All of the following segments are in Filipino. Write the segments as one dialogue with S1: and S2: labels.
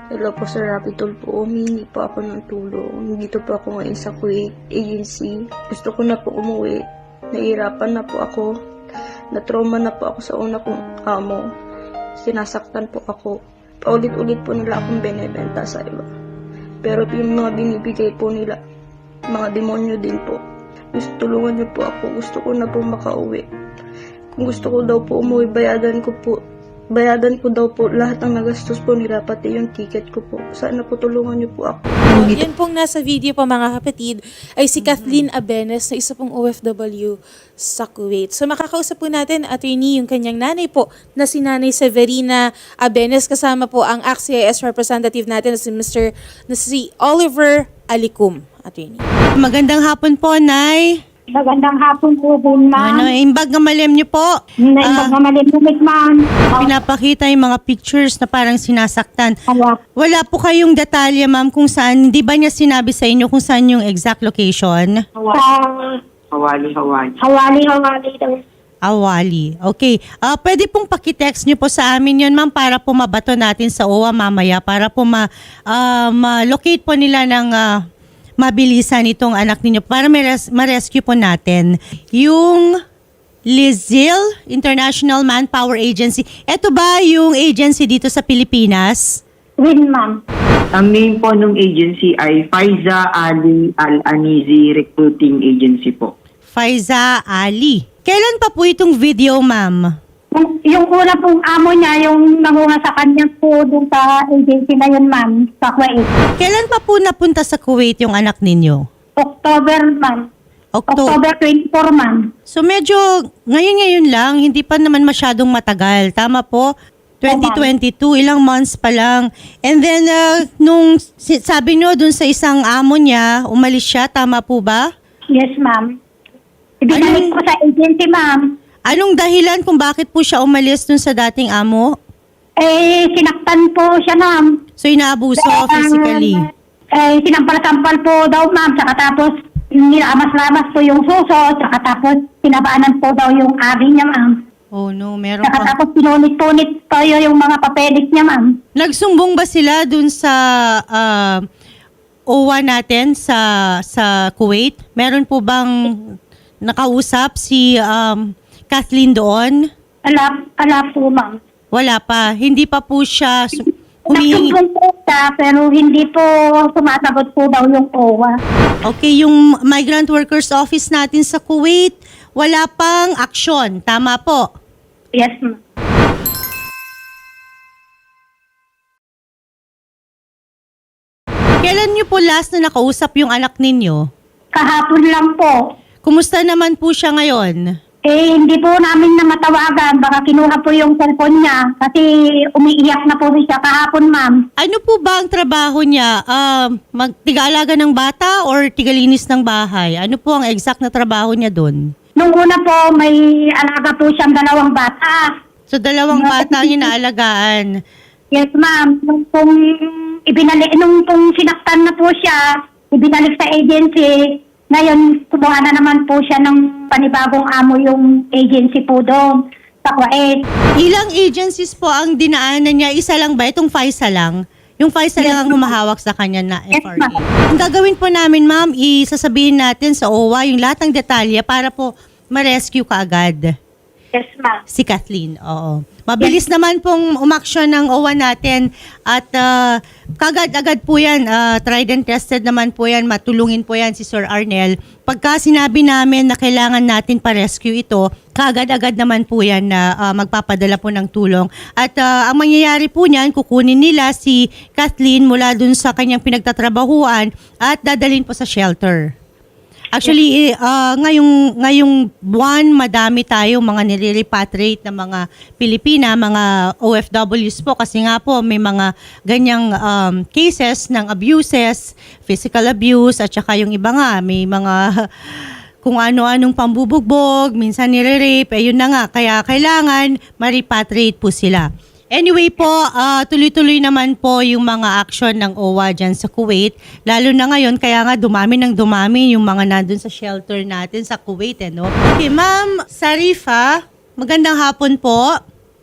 S1: Hello po Sir Rapitol po, humingi po ako ng tulong. Dito po ako ngayon sa Kuwait Agency. Gusto ko na po umuwi. Nahihirapan na po ako. Na-trauma na po ako sa una kong amo. Sinasaktan po ako. Paulit-ulit po nila akong binebenta sa iba. Pero yung mga binibigay po nila, mga demonyo din po. Gusto tulungan niyo po ako. Gusto ko na po makauwi. Kung gusto ko daw po umuwi, bayadan ko daw po lahat ng nagastos po nila, pati yung ticket ko po. Sana po tulungan niyo po ako.
S2: Yan pong nasa video po mga kapatid ay si Kathleen Abenes na isa pong OFW sa Kuwait. So makakausap po natin, attorney, yung kanyang nanay po na si Nanay Severina Abenes, kasama po ang ACT-CIS representative natin na si Oliver Alicum, attorney.
S3: Magandang hapon po, Nay.
S4: Magandang hapon po din, ma'am.
S3: Imbag na malem niyo po.
S4: Naimbag na malimumit, ma'am.
S3: Pinapakita yung mga pictures na parang sinasaktan.
S4: Awa.
S3: Wala po kayong detalye, ma'am, kung saan, di ba niya sinabi sa inyo kung saan yung exact location?
S4: Hawali daw.
S3: Awali. Okay. Pwede pong pakitext niyo po sa amin yun, ma'am, para po mabato natin sa OWA mamaya, para po ma-locate po nila ng mabilisan itong anak ninyo para ma-rescue po natin. Yung Lizil International Manpower Agency, eto ba yung agency dito sa Pilipinas?
S4: Win, ma'am.
S5: Ang name po ng agency ay Faiza Ali Al-Anizi Recruiting Agency po.
S3: Faiza Ali. Kailan pa po itong video, ma'am?
S4: Yung una pong amo niya, yung nangunga sa kanya po dun sa agency na yun, ma'am, sa Kuwait.
S3: Kailan pa po napunta sa Kuwait yung anak ninyo?
S4: October, ma'am. October 24, ma'am.
S3: So medyo ngayon lang, hindi pa naman masyadong matagal. Tama po? 2022, ilang months pa lang. And then, nung sabi nyo dun sa isang amo niya, umalis siya, tama po ba?
S4: Yes, ma'am. Ibinalik ko sa agency, ma'am.
S3: Anong dahilan kung bakit po siya umalis dun sa dating amo?
S4: Sinaktan po siya, ma'am.
S3: So inaabuso physically?
S4: Sinampal-sampal po daw, ma'am. Saka tapos, nilamas-lamas po yung suso. Saka tapos, pinabaanan po daw yung abi niya, ma'am.
S3: Oh no, meron
S4: Saka
S3: pa.
S4: tapos, pinunit-punit po yung mga papelik niya, ma'am.
S3: Nagsumbong ba sila dun sa OWA natin sa Kuwait? Meron po bang nakausap si Kathleen doon?
S4: Ala po, ma'am.
S3: Wala pa. Hindi pa po siya humihingi.
S4: Nagsumbong po siya, pero hindi po sumasagot po daw yung OWA.
S3: Okay, yung Migrant Workers Office natin sa Kuwait, wala pang aksyon. Tama po?
S4: Yes, ma'am.
S3: Kailan niyo po last na nakausap yung anak ninyo?
S4: Kahapon lang po.
S3: Kumusta naman po siya ngayon?
S4: Hindi po namin na matawagan. Baka kinuha po yung cellphone niya kasi umiiyak na po siya kahapon, ma'am.
S3: Ano po ba ang trabaho niya? Magtigaalaga ng bata or tigalinis ng bahay? Ano po ang exact na trabaho niya doon?
S4: Nung una po, may alaga po siyang 2 bata.
S3: So, 2 bata ang inaalagaan.
S4: Yes, ma'am. Nung pong sinaktan na po siya, ibinalik sa agency. Ngayon, kumuha na naman po siya ng panibagong amo yung agency po doon sa Kuwait.
S3: Ilang agencies po ang dinaanan niya? Isa lang ba? Itong FISA lang? Yung FISA lang ang humahawak sa kanya na FRA.
S4: ma'am.
S3: Ang gagawin po namin, ma'am, isasabihin natin sa OWA yung lahat ng detalye para po ma-rescue ka agad.
S4: Yes, ma'am.
S3: Si Kathleen, oo. Mabilis naman pong umaksyon ng OWA natin at kagad-agad po yan, tried and tested naman po yan, matulungin po yan si Sir Arnel. Pagka sinabi namin na kailangan natin pa-rescue ito, kagad-agad naman po yan na magpapadala po ng tulong. At ang mangyayari po niyan, kukunin nila si Kathleen mula dun sa kanyang pinagtatrabahuan at dadalhin po sa shelter. Actually, ngayong buwan, madami tayo mga nire-repatriate na mga Pilipina, mga OFWs po kasi nga po may mga ganyang cases ng abuses, physical abuse at saka yung iba nga, may mga kung ano-anong pambubugbog, minsan nire-rape, ayun na nga, kaya kailangan ma-repatriate po sila. Anyway po, tuloy-tuloy naman po yung mga action ng OWA dyan sa Kuwait. Lalo na ngayon, kaya nga dumami yung mga nandun sa shelter natin sa Kuwait. No? Okay, Ma'am Sarifa, magandang hapon po.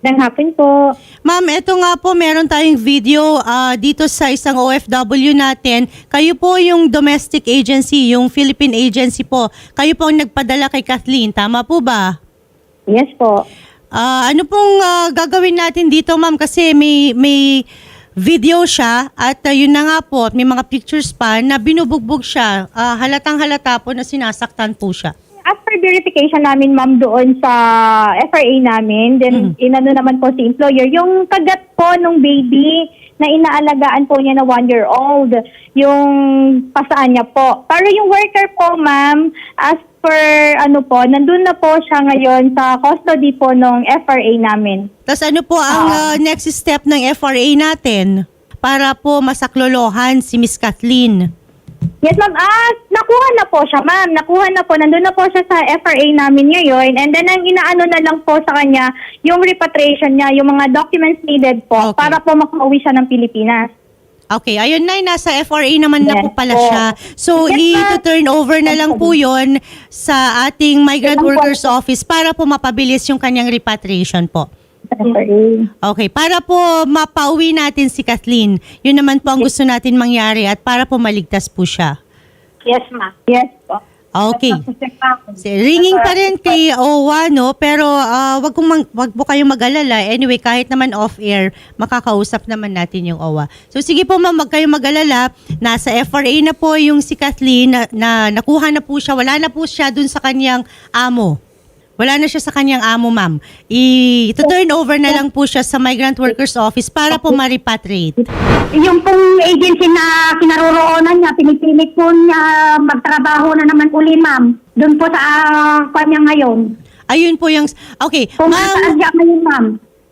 S4: Magandang hapon po.
S3: Ma'am, eto nga po, meron tayong video dito sa isang OFW natin. Kayo po yung domestic agency, yung Philippine agency po. Kayo po ang nagpadala kay Kathleen, tama po ba?
S4: Yes po.
S3: Ano pong gagawin natin dito, ma'am? Kasi may video siya at yun na nga po, may mga pictures pa na binubugbog siya. Halatang halata po na sinasaktan po siya.
S4: After verification namin, ma'am, doon sa FRA namin, then inano naman po si employer, yung kagat po nung baby na inaalagaan po niya na 1-year-old, yung pasaan niya po. Pero yung worker po, ma'am, as per nandun na po siya ngayon sa custody po ng FRA namin.
S3: Tapos ano po ang next step ng FRA natin para po masaklolohan si Miss Kathleen?
S4: Yes, ma'am. Nakuha na po siya, ma'am. Nakuha na po. Nandun na po siya sa FRA namin ngayon. And then, ang inaano na lang po sa kanya, yung repatriation niya, yung mga documents needed po
S3: Okay.
S4: para po makauwi siya ng Pilipinas.
S3: Okay, ayun na, nasa FRA naman na
S4: Yes
S3: po pala
S4: po.
S3: siya. So,
S4: Yes, ma'am.
S3: i-turn over na lang po yon sa ating Migrant
S4: Yes, ma'am.
S3: Workers Office para po mapabilis yung kanyang repatriation po.
S4: Sa FRA.
S3: Okay, para po mapauwi natin si Kathleen, yun naman po ang gusto natin mangyari at para po maligtas po siya.
S4: Yes, ma'am. Yes po.
S3: Okay. Ringing pa rin kay OWA, no? Pero wag po kayong mag-alala. Anyway, kahit naman off-air, makakausap naman natin yung OWA. So sige po ma'am, wag kayong mag-alala. Nasa FRA na po yung si Kathleen na nakuha na po siya. Wala na po siya dun sa kanyang amo. Wala na siya sa kanyang amo, ma'am. I-turn over na lang po siya sa Migrant Workers Office para po ma-repatriate.
S4: Yung pong agency na kinaroroonan niya, pinipilit po niya magtrabaho na naman uli, ma'am. Doon po sa kanya ngayon.
S3: Ayun po yung... Okay,
S4: Kung saan
S3: ma'am,
S4: siya ngayon, ma'am.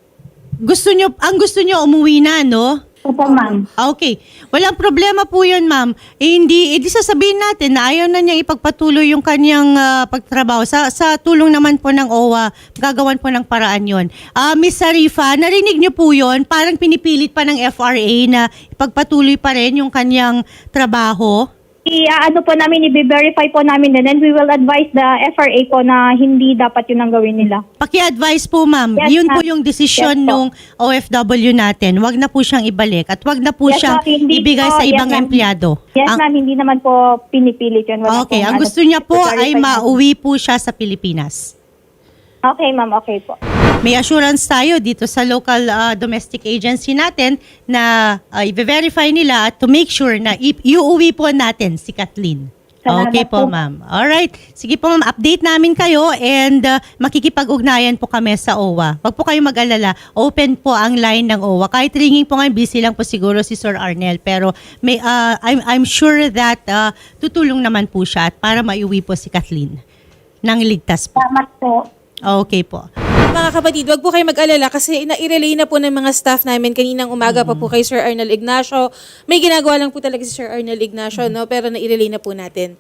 S3: ang gusto nyo umuwi na, no?
S4: Opo, ma'am.
S3: Okay. Walang problema po yun, ma'am. Hindi sasabihin natin na ayaw na niyang ipagpatuloy yung kanyang pagtrabaho. Sa tulong naman po ng OWA, gagawan po ng paraan yun. Miss Sarifa, narinig niyo po yun? Parang pinipilit pa ng FRA na ipagpatuloy pa rin yung kanyang trabaho.
S4: Po namin, i-verify po namin din, and we will advise the FRA po na hindi dapat yun ang gawin nila.
S3: Paki-advise po, ma'am.
S4: Yes,
S3: Yun po
S4: ma'am.
S3: yung desisyon
S4: Yes, po.
S3: nung OFW natin. Wag na po siyang ibalik at wag na po
S4: Yes,
S3: siyang
S4: ma'am. Hindi
S3: ibigay
S4: po.
S3: sa
S4: Yes,
S3: ibang
S4: ma'am.
S3: empleyado.
S4: Yes,
S3: Ang-
S4: ma'am, hindi naman po pinipilit yun. Wala
S3: Okay,
S4: pong
S3: ang gusto niya po ay
S4: i-verify natin.
S3: mauwi po siya sa Pilipinas.
S4: Okay, ma'am, okay po.
S3: May assurance tayo dito sa local domestic agency natin na i-verify nila at to make sure na iuwi po natin si Kathleen.
S4: Salamat
S3: Okay po,
S4: po.
S3: ma'am. Alright. Sige po, ma'am. Update namin kayo and makikipag-ugnayan po kami sa OWA. Wag po kayong mag-alala. Open po ang line ng OWA. Kahit ringing po ngayon, busy lang po siguro si Sir Arnel. Pero I'm sure that tutulong naman po siya at para maiuwi po si Kathleen nang ligtas po.
S4: Salamat po.
S3: Okay po.
S2: Mga kapatid, wag po kayo mag-alala kasi na-relay na po ng mga staff namin kaninang umaga pa po kay Sir Arnel Ignacio. May ginagawa lang po talaga si Sir Arnel Ignacio, no? Pero na-relay na po natin.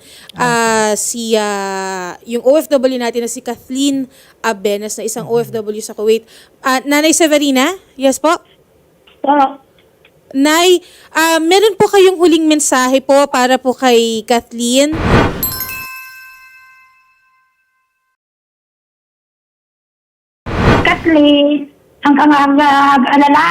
S2: Yung OFW natin na si Kathleen Abenes na isang OFW sa Kuwait. Nanay Severina? Yes po?
S4: So,
S2: Nay, meron po kayong huling mensahe po para po kay Kathleen?
S4: Kathleen, hanggang alala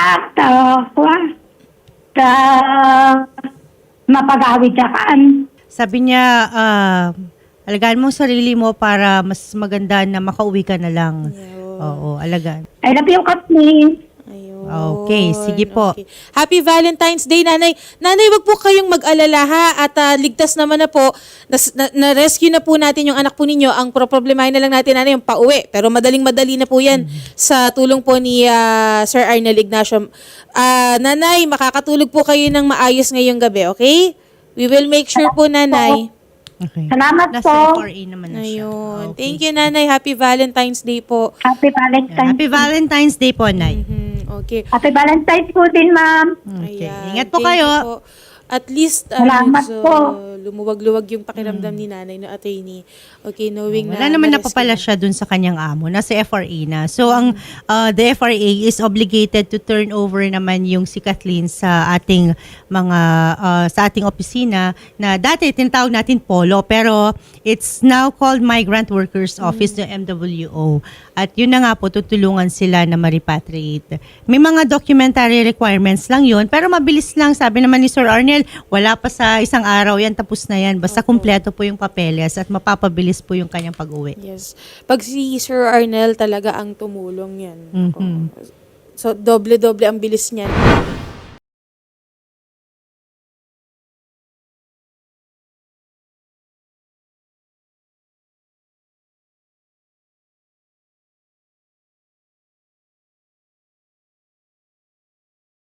S4: mapagawid ka kan.
S3: Sabi niya, alagaan mo ang sarili mo para mas maganda na makauwi ka na lang. Oo, alagaan.
S4: I love you, Kathleen.
S2: Ayun.
S3: Okay, sige po.
S2: Okay. Happy Valentine's Day, Nanay. Nanay, wag po kayong mag-alala ha at ligtas naman na po. Na-rescue na po natin yung anak po ninyo. Ang problemahin na lang natin, Nanay, yung pauwi. Pero madaling-madali na po yan sa tulong po ni Sir Arnel Ignacio. Nanay, makakatulog po kayo ng maayos ngayong gabi, okay? We will make sure po, Nanay.
S3: Okay.
S4: Salamat
S3: Nasa
S4: po.
S3: FRA naman na siya.
S2: Ayun.
S3: Okay.
S2: Thank you, Nanay. Happy Valentine's Day po.
S4: Happy Valentine's.
S3: Happy Valentine's Day po, Nay.
S2: Okay.
S4: Happy Valentine's po din, ma'am.
S3: Okay.
S2: Ayan.
S3: Ingat po
S2: Thank
S3: kayo.
S2: you po. At least,
S4: Salamat po.
S2: lumuwag-luwag yung pakiramdam ni nanay no attorney. Okay, knowing
S3: Wala
S2: na
S3: naman
S2: na-rescue
S3: napapala
S2: na.
S3: siya dun sa kanyang amo. Nasa FRA na. So, ang the FRA is obligated to turn over naman yung si Kathleen sa ating sa ating opisina na dati tinatawag natin POLO, pero it's now called Migrant Workers Office ng MWO. At yun na nga po, tutulungan sila na ma-repatriate. May mga documentary requirements lang yun, pero mabilis lang. Sabi naman ni Sir Arnel, wala pa sa isang araw yan, tapos na yan. Basta kumpleto po yung papeles at mapapabilis po yung kanyang pag-uwi.
S2: Yes. Pag si Sir Arnel talaga ang tumulong yan.
S3: Mhm.
S2: So, doble-doble ang bilis niyan.